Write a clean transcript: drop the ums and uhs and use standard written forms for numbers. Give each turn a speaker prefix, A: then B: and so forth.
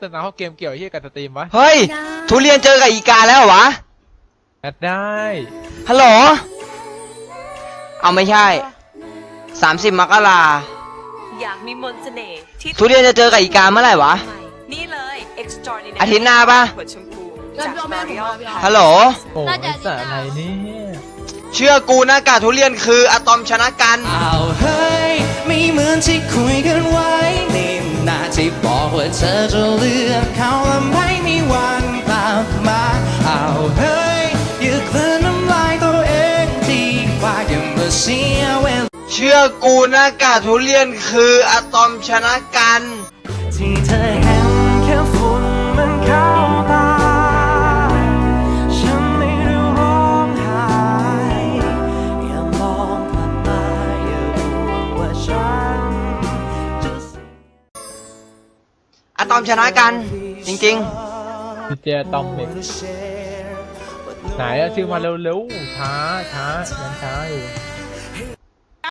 A: เติมน้ำเข้าเกมเกี่ยวกับสตรีมวะ
B: เฮ้ยทุเรียนเจอกับอีกาแล้วเหรอวะ
A: แอดได้
B: ฮัลโหลเอาไม่ใช่30 มกรา
C: อยากมีมนต์เสน่ห์ที่
B: ทุเรียนจะเจอกับอีกาเมื่อไหร่วะ
C: นี่เลย extraordinary
B: อาทิตย์หน้าปะ
C: หัวชมพูจาก L'Oreal
B: ฮัลโหล
A: โอ้ยสะอะไรเนี่ย
B: เชื่อกูนะกาทุเรียนคืออะตอมชนะกัน
D: เอาเฮ้ยไม่เหมือนที่คุยกันไว้นี่นาที่บอกว่าเธอจะเลือกเขาและไม่มีวันกลับมาเอาเฮ้ยอย่ากลืนน้ำลายตัวเองดีกว่าอย่ามาเสียเวลา
B: เชื่อกูนะกาทุเรียนคืออะตอมชนะกัน
D: ที่เธอเห็นแค่ฝุ่นมันเข้าตาฉันไม่ได้ร้องไห้อย่ามองผ่านมาอย่าห่วงว่าฉันจะ
B: อะตอมชนะกันจริง
A: ดีเจตอมเด็กไหนอะชื่อมาเร็วๆช้ายังช้าอยู่
B: ๆ